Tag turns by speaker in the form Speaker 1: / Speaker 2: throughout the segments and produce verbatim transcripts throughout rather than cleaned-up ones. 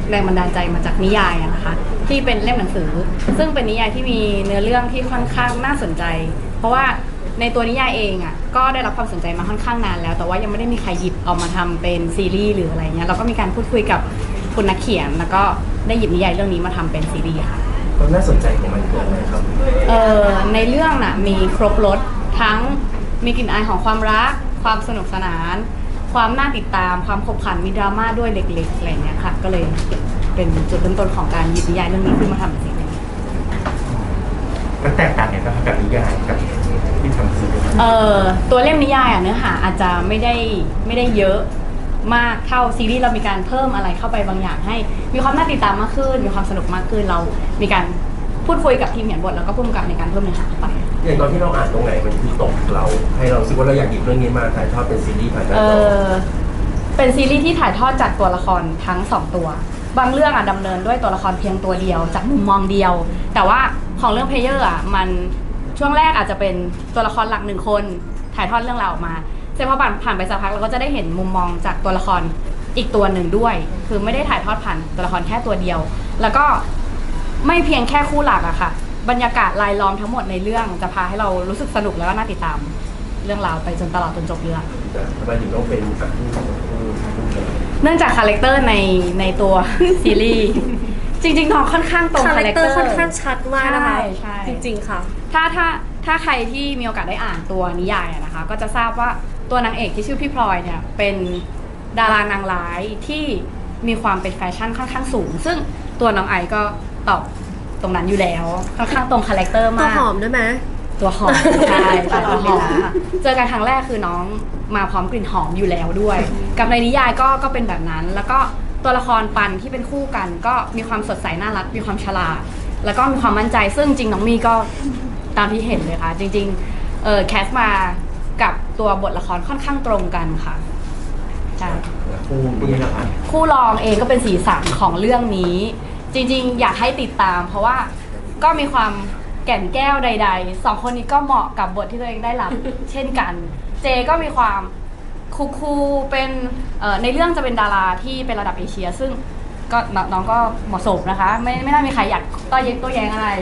Speaker 1: แรงบันดาลใจมาจากนิยายนะคะที่เป็นเล่มหนังสือซึ่งเป็นนิยายที่มีเนื้อเรื่องที่ค่อนข้างน่าสนใจเพราะว่าในตัวนิยายเองอ่ะก็ได้รับความสนใจมาค่อนข้างนานแล้วแต่ว่ายังไม่ได้มีใครหยิบเอามาทำเป็นซีรีส์หรืออะไรเงี้ยเราก็มีการพูดคุยกับคุณนักเขียนแล้วก็ได้หยิบนิยายเรื่องนี้มาทำเป็นซีรีส์ค่ะ
Speaker 2: ความน่าสนใจของมันคืออะไรครับ
Speaker 1: เอ่อในเรื่องน่ะมีครบรสทั้งมีกลิ่นอายของความรักความสนุกสนานความน่าติดตามความขบขันมีดราม่าด้วยเล็กๆอะไรเงี้ยค่ะก็เลยเป็นจุดเริ่มต้นของการหยิบนิยายเรื่องนี้ขึ้นมาทำเป็นซีรีส์
Speaker 2: มันแตกต่างกันนะครับกับนิยายกับที่ทำซีรีส์
Speaker 1: เอ่อตัวเล่มนิยายอ่ะเนื้อหาอาจจะไม่ได้ไม่ได้เยอะมากเท่าซีรีส์เรามีการเพิ่มอะไรเข้าไปบางอย่างให้มีความน่าติดตามมากขึ้นมีความสนุกมากขึ้นเรามีการพูดคุยกับทีมเขียนบทแล้วก็ผู้กำกับในการเพิ่มเนื้อหาเข้าไป
Speaker 2: อย่างตอนที่เราอ่านตรงไหนมันคือตกเราให้เรารู้สึกว่าเราอยากหยิบเรื่องนี้มาถ่ายทอดเป็นซีรีส์ผ่านหน้าจอ
Speaker 1: เป็นซีรีส์ที่ถ่ายทอดจากตัวละครทั้งสองตัวบางเรื่องอ่ะดำเนินด้วยตัวละครเพียงตัวเดียวจากมุมมองเดียวแต่ว่าของเรื่องเพลเยอร์อ่ะมันช่วงแรกอาจจะเป็นตัวละครหลักหนึ่งคนถ่ายทอดเรื่องราวออกมาเสร็จพอผ่านผ่านไปสักพักเราก็จะได้เห็นมุมมองจากตัวละครอีกตัวหนึ่งด้วยคือไม่ได้ถ่ายทอดผ่านตัวละครแค่ตัวเดียวแล้วก็ไม่เพียงแค่คู่หลักอะค่ะบรรยากาศรายล้อมทั้งหมดในเรื่องจะพาให้เรารู้สึกสนุกแล้วก็น่าติดตามเรื่องราวไปจนตลอดจนจบเรื่อง
Speaker 2: ทำไมถึงต้องเป็นแบบ
Speaker 1: เนื่องจากคาแรคเตอร์ในในตัวซีรีส์จริงๆน้องค่อนข้างตรงคาแรคเตอร์
Speaker 3: ค่อนข้างชัดมากนะคะจริงๆค่ะ
Speaker 1: ถ้าถ้าถ้าใครที่มีโอกาสได้อ่านตัวนิยายนะคะก็จะทราบว่าตัวนางเอกที่ชื่อพี่พลอยเนี่ยเป็นดารานางร้ายที่มีความเป็นแฟชั่นค่อนข้างสูงซึ่งตัวน้องไอก็ตอบตรงนั้นอยู่แล้วค่อนข้างตรงคาแรคเตอร์มาก
Speaker 3: ตัวหอมด้วยไหม
Speaker 1: ตัวหอมใช่ตัวหอมเจอกันครั้งแรกคือน้องมาพร้อมกลิ่นหอมอยู่แล้วด้วยกับในนิยายก็ก็เป็นแบบนั้นแล้วก็ตัวละครปันที่เป็นคู่กันก็มีความสดใสน่ารักมีความฉลาดแล้วก็มีความมั่นใจซึ่งจริงน้องมีก็ตามที่เห็นเลยค่ะจริงๆเออแคสมากับตัวบทละครค่อนข้างตรงกันค่ะใช่
Speaker 2: คู่นี้นะคะ
Speaker 1: คู่รองเองก็เป็นสีสันของเรื่องนี้จริงๆอยากให้ติดตามเพราะว่าก็มีความแก่นแก้วใดๆสองคนนี้ก็เหมาะกับบทที่ตัวเองได้รับ เช่นกันเจก็มีความคูลๆเป็นในเรื่องจะเป็นดาราที่เป็นระดับเอเชียซึ่งก็น้องก็เหมาะสมนะคะไม่ไม่น่ามีใครอยากต้อเย็นตัวแยงอะไร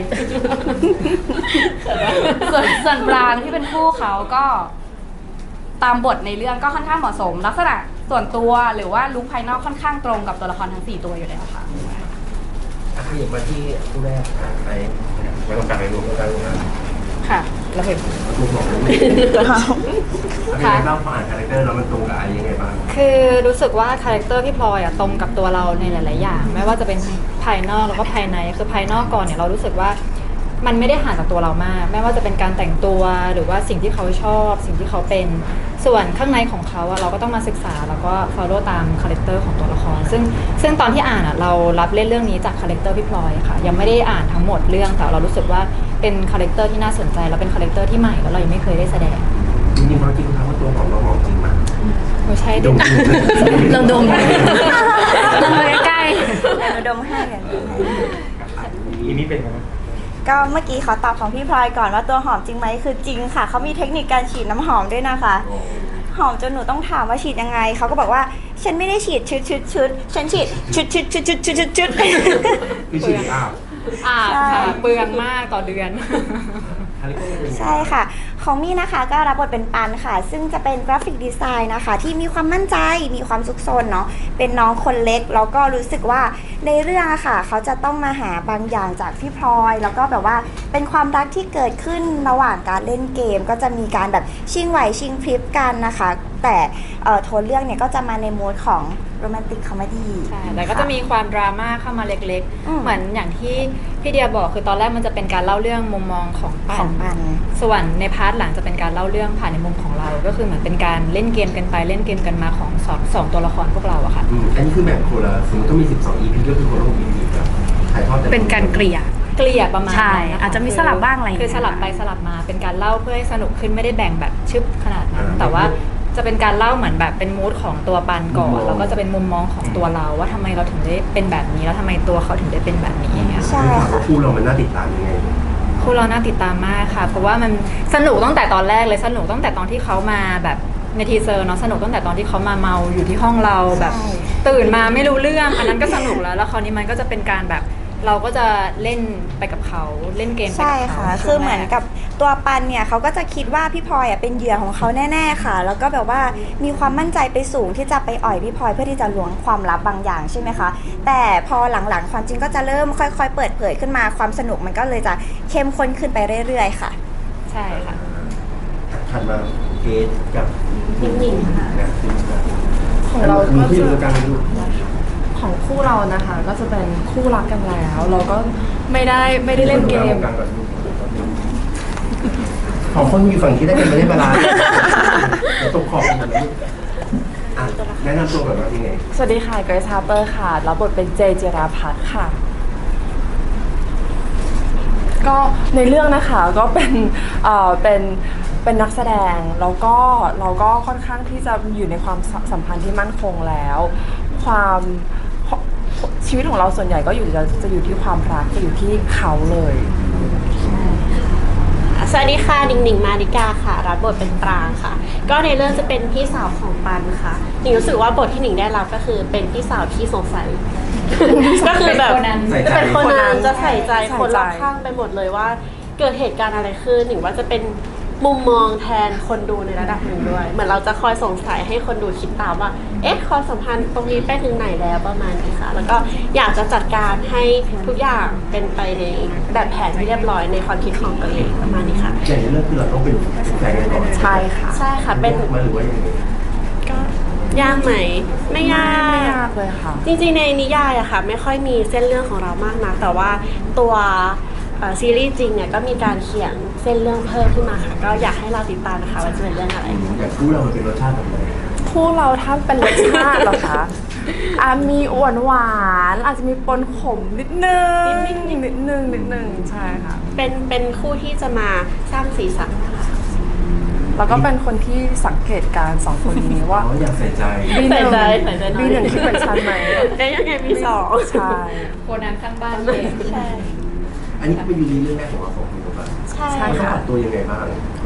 Speaker 1: ส่วนส่วนปรางที่เป็นคู่เขาก็ตามบทในเรื่องก็ค่อนข้างเหมาะสมลักษณะส่วนตัวหรือว่าลุคภายนอกค่อนข้างตรงกับตัวละครทั้งสี่ตัวอยู่แล้วค่ะ
Speaker 2: ขยับมาที่คู่แรกไปไปตรงกลางไปรวมกันนะ
Speaker 1: ค่ะเราเห็น
Speaker 2: มุมมองค่ะเล่าผ่านคาแรคเตอร์แล้วมันตรงกับอะไรยังไงบ้าง
Speaker 4: คือรู้สึกว่าคาแรคเตอร์พี่พลอยอะตรงกับตัวเราในหลายๆอย่างไม่ว่าจะเป็นภายนอกแล้วก็ภายในคือภายนอกก่อนเนี่ยเรารู้สึกว่ามันไม่ได้ห่างจากตัวเรามากไม่ว่าจะเป็นการแต่งตัวหรือว่าสิ่งที่เขาชอบสิ่งที่เขาเป็นส่วนข้างในของเขาอะเราก็ต้องมาศึกษาแล้วก็ follow ตามคาแรคเตอร์ของตัวละครซึ่งซึ่งตอนที่อ่านอะเรารับเล่นเรื่องนี้จากคาแรคเตอร์พี่พลอยค่ะยังไม่ได้อ่านทั้งหมดเรื่องแต่เรารู้สึกว่าเป็นคาแรคเตอร์ที่น่าสนใจแล้วเป็นคาแรคเตอร์ที่ใหม่แล้วเรายังไม่เคยได้แสดง
Speaker 2: จริงๆเขาจริงๆว่าตัวของเราหอมจริงมาก
Speaker 4: ไม่ใช่
Speaker 1: ดมลองดมดมใกล้
Speaker 5: ๆดมให้กัน
Speaker 2: อีนี่เป็นไง
Speaker 5: ก็เมื่อกี้ขอตอบของพี่พลอยก่อนว่าตัวหอมจริงไหมคือจริงค่ะเขามีเทคนิคการฉีดน้ำหอมด้วยนะคะหอมจนหนูต้องถามว่าฉีดยังไงเขาก็บอกว่าฉันไม่ได้ฉีดชุดชุดชุดฉันฉีดชุดชุดชุดชุดชุดชุดชุด
Speaker 2: คือฉีดอ้าว
Speaker 4: อ่าค่ะเปลืองมากต่อเดือน
Speaker 5: ใช่ค่ะของมี่นะคะก็รับบทเป็นปันค่ะซึ่งจะเป็นกราฟิกดีไซน์นะคะที่มีความมั่นใจมีความซุกซนเนาะเป็นน้องคนเล็กแล้วก็รู้สึกว่าในเรื่องอะค่ะเขาจะต้องมาหาบางอย่างจากพี่พลอยแล้วก็แบบว่าเป็นความรักที่เกิดขึ้นระหว่างการเล่นเกมก็จะมีการแบบชิงไหวชิงพริบกันนะคะแต่โทนเรื่องเนี่ยก็จะมาในโหมดของโรแมนติกคอมเมดี้
Speaker 4: ใช่แต่ก็จะมีความดราม่าเข้ามาเล็กๆเหมือนอย่างที่พี่เดียบอกคือตอนแรกมันจะเป็นการเล่าเรื่องมุมมองของปันส่วนในพาร์ทหลังจะเป็นการเล่าเรื่องผ่านในมุมของเราก็คือเหมือนเป็นการเล่นเกมกันไปเล่นเกมกันมาของสองสองตัวละครพวกเราอะค่ะ
Speaker 2: อันนี้คือแบบโคละสมมติต้องมีสิบสอง อี พี ก็คือโคละหก อี พี ครับถ่ายทอด
Speaker 1: เป็นการเกลี่ย
Speaker 4: เกลี่ยประมาณ
Speaker 1: ใช่อาจจะมีสลับบ้างอะไร
Speaker 4: คือสลับไปสลับมาเป็นการเล่าเพื่อให้สนุกขึ้นไม่ได้แบ่งแบบชึบขนาดนั้นแต่ว่าจะเป็นการเล่าเหมือนแบบเป็นมูดของตัวปันก่อนแล้วก็จะเป็นมุมมองของตัวเราว่าทำไมเราถึงได้เป็นแบบนี้แล้วทำไมตัวเขาถึงได้เป็นแบบนี้อย่างเงี้ย
Speaker 5: ใช่ค่ะ
Speaker 2: คู่เรามันน่าติดตามยังไง
Speaker 4: คู่เราน่าติดตามมากค่ะเพราะว่ามันสนุกตั้งแต่ตอนแรกเลยสนุกตั้งแต่ตอนที่เขามาแบบในทีเซอร์เนาะสนุกตั้งแต่ตอนที่เขามาเมาอยู่ที่ห้องเราแบบตื่นมาไม่รู้เรื่องอันนั้นก็สนุกแล้วแล้วคราวนี้มันก็จะเป็นการแบบเราก็จะเล่นไปกับเขาเล่นเกมไปกับ
Speaker 5: ใช่
Speaker 4: เขา
Speaker 5: ค่ะ
Speaker 4: ช่
Speaker 5: คื
Speaker 4: ว
Speaker 5: อง เหมือน
Speaker 4: แร
Speaker 5: กับตัวปันเนี่ยเขาก็จะคิดว่าพี่พลอยอ่ะเป็นเหยื่อของเขาแน่ๆค่ะ แล้วก็แบบว่ามีความมั่นใจไปสูงที่จะไปอ่อยพี่พลอยเพื่อที่จะล้วงความลับบางอย่างใช่ไหมคะ แต่พอหลังๆความจริงก็จะเริ่มค่อยๆ เปิดเผยขึ้นมาความสนุกมันก็เลยจะเข้มข้นขึ้นไปเรื่อยๆค่ะ
Speaker 4: ใช่ค่ะ
Speaker 2: ถัดมาเกสกับหนิงค่ะนะ
Speaker 3: ของเรา
Speaker 2: มี
Speaker 3: ก็
Speaker 2: ที่
Speaker 3: จะ
Speaker 2: ดูกันดู
Speaker 3: ของคู่เรานะคะ ก็จะเป็นคู่รักกันแล้ว เราก็ไม่ได้ไม่ได้เล่นเกม
Speaker 2: ของคนอยู่ฝั่งที่ได้เป็นไม่ได้เวลาเดี๋ยวตกขอบกันนะลูกอ่ะแนะนำตัวก่อนว่าที่ไง
Speaker 3: สวัสดีค่ะเกรซฮาร์เปอร์ค่ะรับบทเป็นเจเจราพัฒน์ค่ะ ก็ในเรื่องนะคะก็เป็นเอ่อเป็นเป็นนักแสดงแล้วก็เราก็ค่อนข้างที่จะอยู่ในความสัมพันธ์ที่มั่นคงแล้ว ความชีวิตของเราส่วนใหญ่ก็อยู่จะจะอยู่ที่ความรักจะอยู่ที่เขาเลย
Speaker 6: สวัสดีค่ะหนิงหนิงมาริกาค่ะรับบทเป็นปรางค่ะ ก็ในเรื่องจะเป็นพี่สาวของปันค่ะหนิงรู้สึกว่าบทที่หนิงได้รับก็คือเป็นพี่สาวที่สงสัย ก็คือแบบ
Speaker 2: ใส่ใจ
Speaker 6: เป็นคนนั้นจะใส่ใจ
Speaker 3: ใส่ใจ
Speaker 6: คนรอบข้างไปหมดเลยว่าเกิดเหตุการณ์อะไรขึ้นหนิงว่าจะเป็นมุมมองแทนคนดูในระดับหนึ่งด้วย เหมือนเราจะคอยสงสัยให้คนดูคิดตามว่าเอ๊ะความสัมพันธ์ตรงนี้ไปถึงไหนแล้วประมาณนี้ค่ะแล้วก็อยากจะจัดการให้ทุกอย่างเป็นไปในแบบแผนที่เรียบร้อยในความคิดของตัวเองประมาณนี้ค่ะ
Speaker 2: อย่างในเรื่องคือเราต้องเป็นแฟนกันก่อน
Speaker 3: ใช่ค่ะ
Speaker 6: ใช่ค่ะเป็น
Speaker 2: มาหรือว่ายังไง
Speaker 6: ก็ยากไหมไม่ยา
Speaker 3: ไม่
Speaker 6: ก
Speaker 3: ยากเลยค่ะ
Speaker 6: จริงๆในนิยายอะค่ะไม่ค่อยมีเส้นเรื่องของเรามากนะแต่ว่าตัวเอ่อซีรีส์จริงเนี่ยก็มีการเขียนเส้นเรื่องเพิ่มขึ้นมาค่ะ ก็อยากให้เราติดตามนะคะว่าจะเป็นเรื่องอะไร
Speaker 2: อยากรู้เรามันเป็นรสชาติแบบไหน
Speaker 3: คู่เราถ้าเป็นรสชาติเหรอคะ อ่ะมีหวานหวานๆอาจจะมีปนขมนิดนึง
Speaker 6: นิดนึง
Speaker 3: นิดนึงนิดนึงใช่ค่ะ
Speaker 6: เป็นเป็นคู่ที่จะมาสร้างสีสันค่ะ
Speaker 3: แล้วก็เป็นคนที่สังเกตการณ์สองคนนี้ว่า
Speaker 2: อ๋ออยากใส่ใจ
Speaker 3: บีหนึ่ง
Speaker 6: ใส่ใจใส่ใจหน่อย
Speaker 3: บีหนึ่งคิดเหมือนฉันไหม
Speaker 6: ได้ยังไงมีสอง
Speaker 3: ใช่
Speaker 4: โคนันข้างบ้านเอง
Speaker 6: ใช่
Speaker 2: อันนี้เป็นยูริเรื่องแรกของเราสองคนหรือเปล่า
Speaker 6: ใช่
Speaker 3: ใช่
Speaker 2: เราต้อง
Speaker 3: ค่ะ
Speaker 2: ปรับตัวยังไงบ้าง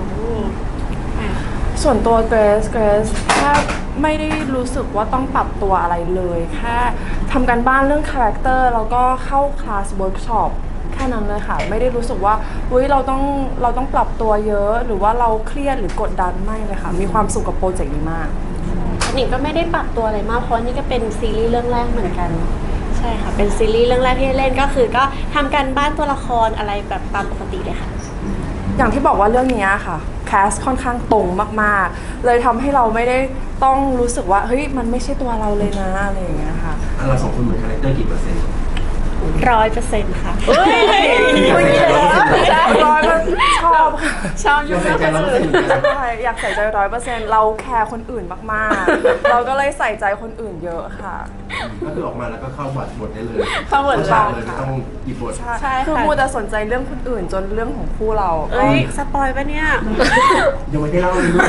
Speaker 3: ส่วนตัวเกรซเกรซแค่ไม่ได้รู้สึกว่าต้องปรับตัวอะไรเลย แค่ทำการบ้านเรื่องคาแรคเตอร์แล้วก็เข้าคลาสเวิร์กช็อปแค่นั้นเลยค่ะ ไม่ได้รู้สึกว่าเฮ้ยเราต้องเราต้องปรับตัวเยอะ หรือว่าเราเครียดหรือกดดันไม่เลยค่ะ มีความสุขกับโปรเจกต์นี้มาก
Speaker 6: หนิงก็ไม่ได้ปรับตัวอะไรมากเพราะนี่ก็เป็นซีรีส์เรื่องแรกเหมือนกันใช่ค่ะเป็นซีรีส์เรื่องแรกที่ได้เล่นก็คือก็ทำการบ้านตัวละครอะไรแบบตามปกติเลยค่ะ
Speaker 3: อย่างที่บอกว่าเรื่องนี้ค่ะแคสค่อนข้างตรงมากๆ เลยทำให้เราไม่ได้ต้องรู้สึกว่าเฮ้ยมันไม่ใช่ตัวเราเลยนะอะไรอย่างเงี้ยค่ะ
Speaker 2: อ่ะเราสองคนเหมือนคาแรคเตอร์กี่เปอร์เซ็นต์
Speaker 6: ร้อยเปอร์เซ็นต์ค่ะ
Speaker 2: อยากใส่ใจร้อยเปอร์เซ็นต์
Speaker 3: ร้อยชอบค่ะ
Speaker 6: ชอบ
Speaker 2: อยากใส่ใจร้อยเปอร์เซ็นต์เหมือนกัน
Speaker 3: ใช่อยากใส่ใจร้อยเปอร์เซ็นต์เราแคร์คนอื่นมากๆ เราก็เลยใส่ใจคนอื่นเยอะค่ะ
Speaker 2: ก็คือออกมาแล้วก็เข้าบทบทได้เลย
Speaker 3: เข้าบท
Speaker 2: ฉากเลยไม่ต้องหยิบบท
Speaker 3: ใช่คือมัวแต่สนใจเรื่องคนอื่นจนเรื่องของคู่เรา
Speaker 6: เอ้ยสปอยปะเนี่ย
Speaker 2: ยังไม่ได้เล่าเลยลูก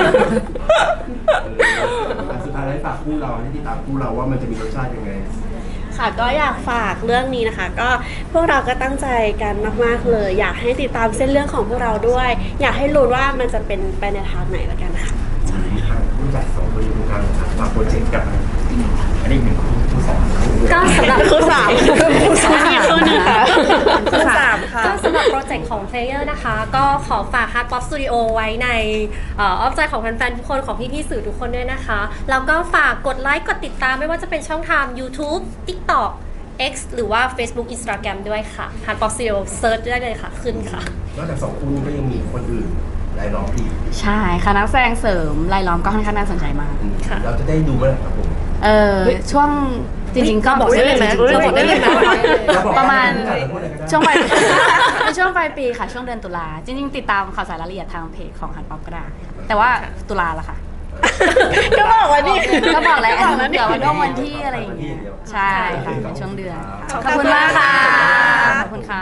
Speaker 2: เออสุดท้ายแล้วฝากคู่เราให้ติดตามคู่เราว่ามันจะมีรสชาติยังไง
Speaker 6: ค่ะก็อยากฝากเรื่องนี้นะคะ ก็พวกเราก็ตั้งใจกันมากๆเลย อยากให้ติดตามเส้นเรื่องของพวกเราด้วย อยากให้รู้ว่ามันจะเป็นไปในทางไหนละกันค่ะ
Speaker 2: รู้จักสองคนอยู่ตรงกลางครับฝากโปรเจกต์กับอันนี้หนึ่งคู่คู่สอง
Speaker 6: ก็สำหรับคู่สามคู่สามอันนี้คู่หนึ่งค่ะ
Speaker 3: คู่สามค่ะ
Speaker 7: ก็สำหรับโปรเจกต์ของ Player นะคะ ก็ขอฝาก Hard Pop Studio ไว้ในเอ่ออ้อมใจของแฟนๆทุกคนของพี่ๆสื่อทุกคนด้วยนะคะ แล้วก็ฝากกดไลค์กดติดตามไม่ว่าจะเป็นช่องทาง YouTube TikTok X หรือว่า Facebook Instagram ด้วยค่ะ Hard Pop Studio Search ได้เลยค่ะ ขึ้นค่ะ
Speaker 2: นอกจากสองคู่นี้ก็ยังมีคนอื่นรายล้อมอีก
Speaker 1: ใช่ค่ะนักแสดงเสริมรายล้อมก็ค่อนข้างน่าสนใจมาก
Speaker 2: เราจะได้ดูเมื่อไหร่ครับผม
Speaker 1: เออช่วงจริงๆก็บอกได้เลยไหมเราบอกได้เลยไหมประมาณช่วงปลาย ในช่วงปลายปีค่ะ ช่วงเดือนตุลาจริงๆ ติดตามข่าวสารรายละเอียดทางเพจของฮันป๊อปก็ได้ แต่ว่าตุลาละค่ะ
Speaker 6: ก็บอกว่านี่
Speaker 1: ก็บอกแล้ว
Speaker 6: บอกแล้ว
Speaker 1: เดี๋ยววันก็วันที่อะไรอย่างเงี้ยใช่ค่ะเป็นช่วงเดือนค่ะขอบคุณมากค่ะ ขอบคุณค่ะ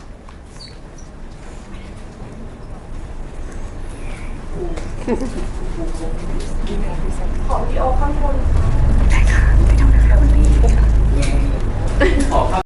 Speaker 3: ขอพี่โอข้างบน